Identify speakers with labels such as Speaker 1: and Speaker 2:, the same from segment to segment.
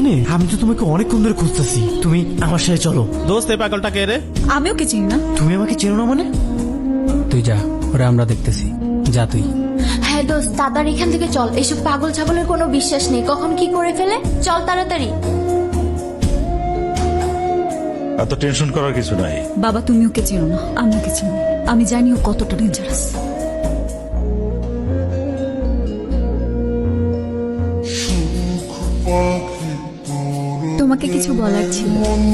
Speaker 1: এখানে? আমি তো তোমাকে অনেকক্ষণ ধরে খুঁজতেছি। তুমি আমার সাথে চলো।
Speaker 2: দোস্ত এই পাগলটা কে রে?
Speaker 3: আমি ওকে চিনি না।
Speaker 1: তুমি আমাকে চেনো না মানে?
Speaker 4: তুই যা, ওরা আমরা দেখতেছি। যা তুই।
Speaker 5: হ্যাঁ দোস্ত, তাড়াতাড়ি এখান থেকে চল। এসব পাগল ছাগলের কোনো বিশ্বাস নেই, কখন কি করে ফেলে। চল তাড়াতাড়ি।
Speaker 6: এত টেনশন করার কিছু নাই।
Speaker 3: বাবা তুমি ওকে চেনো না, আমি ওকে চিনি। আমি জানি ও কতটা ডেঞ্জারাস। তোমাকে কিছু বলার ছিল।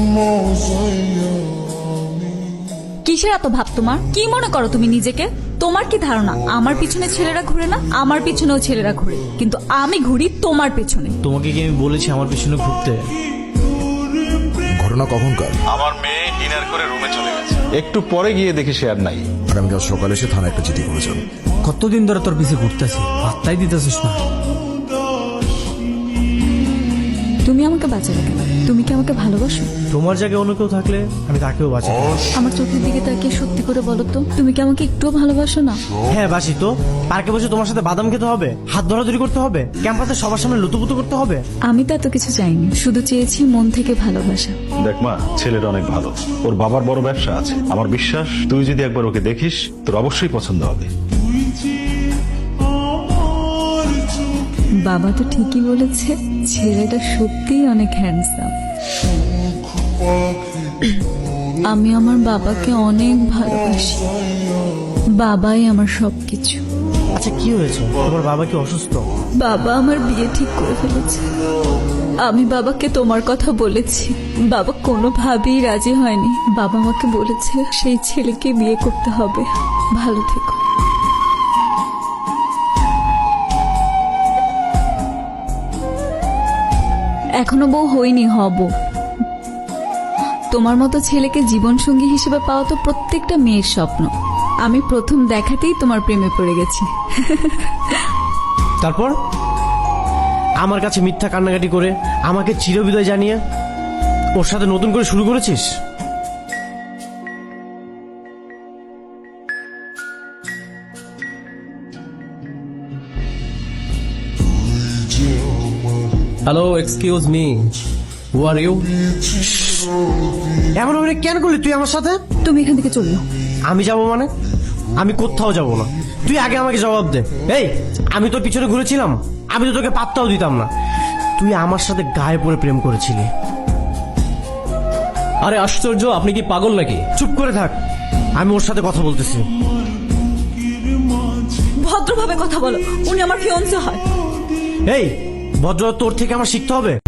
Speaker 3: কিসের এত ভাব তোমার? কি মনে করো তুমি নিজেকে? তোমার কি ধারণা আমার পিছনে ছেলেরা ঘুরে না? আমার পিছনেও ছেলেরা ঘুরে, কিন্তু আমি ঘুরি তোমার পেছনে।
Speaker 1: তোমাকে কি আমি বলেছি আমার পিছনে ঘুরতে?
Speaker 7: ঘটনা কখনকার?
Speaker 6: আমার মেয়ে ডিনার করে রুমে চলে গেছে, একটু পরে গিয়ে দেখি সে আর নাই।
Speaker 7: আর আমি কাল সকালে এসে থানায় একটা চিঠি করেছিলাম।
Speaker 4: কতদিন ধরে তোর পিছে ঘুরতেছি, পাত্তাই দিতেছিস না।
Speaker 3: তুমি আমাকে বাঁচালে কেন? তুমি কি আমাকে ভালোবাসো?
Speaker 1: তোমার জায়গায় অন্য কেউ থাকলে আমি তাকেও বাঁচাই।
Speaker 3: আমার চোখের দিকে তাকিয়ে সত্যি করে বলো তো, তুমি কি আমাকে একটুও ভালোবাসো না?
Speaker 1: হ্যাঁ বাসি তো। পার্কে বসে তোমার সাথে বাদাম খেতে হবে, হাত ধরাধরি করতে হবে, ক্যাম্পাসে সবার সামনে লুতুপুতু করতে হবে।
Speaker 3: আমি তো এত কিছু চাইনি, শুধু চেয়েছি মন থেকে ভালোবাসা।
Speaker 6: দেখ মা, ছেলেটা অনেক ভালো, ওর বাবার বড় ব্যবসা আছে। আমার বিশ্বাস তুই যদি একবার ওকে দেখিস তোর অবশ্যই পছন্দ হবে।
Speaker 3: বাবা তো ঠিকই বলেছে, ছেলেটা সত্যিই অনেক হ্যান্ডসাম। আমি আমার বাবাকে অনেক ভালোবাসি। বাবাই আমার সবকিছু।
Speaker 1: আচ্ছা কি হয়েছে? তোমার বাবা কি অসুস্থ?
Speaker 3: বাবা আমার বিয়ে ঠিক করে ফেলেছে। আমি বাবাকে তোমার কথা বলেছি, বাবা কোনোভাবেই রাজি হয়নি। বাবা আমাকে বলেছে সেই ছেলেকে বিয়ে করতে হবে। ভালো থেকো। এখনো বউ হইনি, হব। তোমার মতো ছেলেকে জীবনসঙ্গী হিসেবে পাওয়া তো প্রত্যেকটা মেয়ের স্বপ্ন। আমি প্রথম দেখাতেই তোমার প্রেমে পড়ে গেছি।
Speaker 1: তারপর আমার কাছে মিথ্যা কান্নাকাটি করে আমাকে চিরবিদায় জানিয়ে ওর সাথে নতুন করে শুরু করেছিস?
Speaker 2: Hello, excuse me, who are you?
Speaker 1: এমন ভাবে কেন করলি তুই আমার সাথে?
Speaker 3: তুমি এখান থেকে চললো।
Speaker 1: আমি যাব মানে? আমি কোথাও যাব না। তুই আগে আমাকে জবাব দে। এই, আমি তোর পিছনে ঘুরেছিলাম? আমি তো তোকে পাত্তাও দিতাম না। তুই আমার সাথে গায়ে পড়ে প্রেম করেছিলি।
Speaker 2: আরে আশ্চর্য, আপনি কি পাগল নাকি?
Speaker 1: চুপ করে থাক, আমি ওর সাথে কথা বলতেছি।
Speaker 3: ভদ্রভাবে কথা বলো, উনি আমার ফিয়ন্সে হয়।
Speaker 1: এই ভদ্র তোর থেকে আমার শিখতে হবে।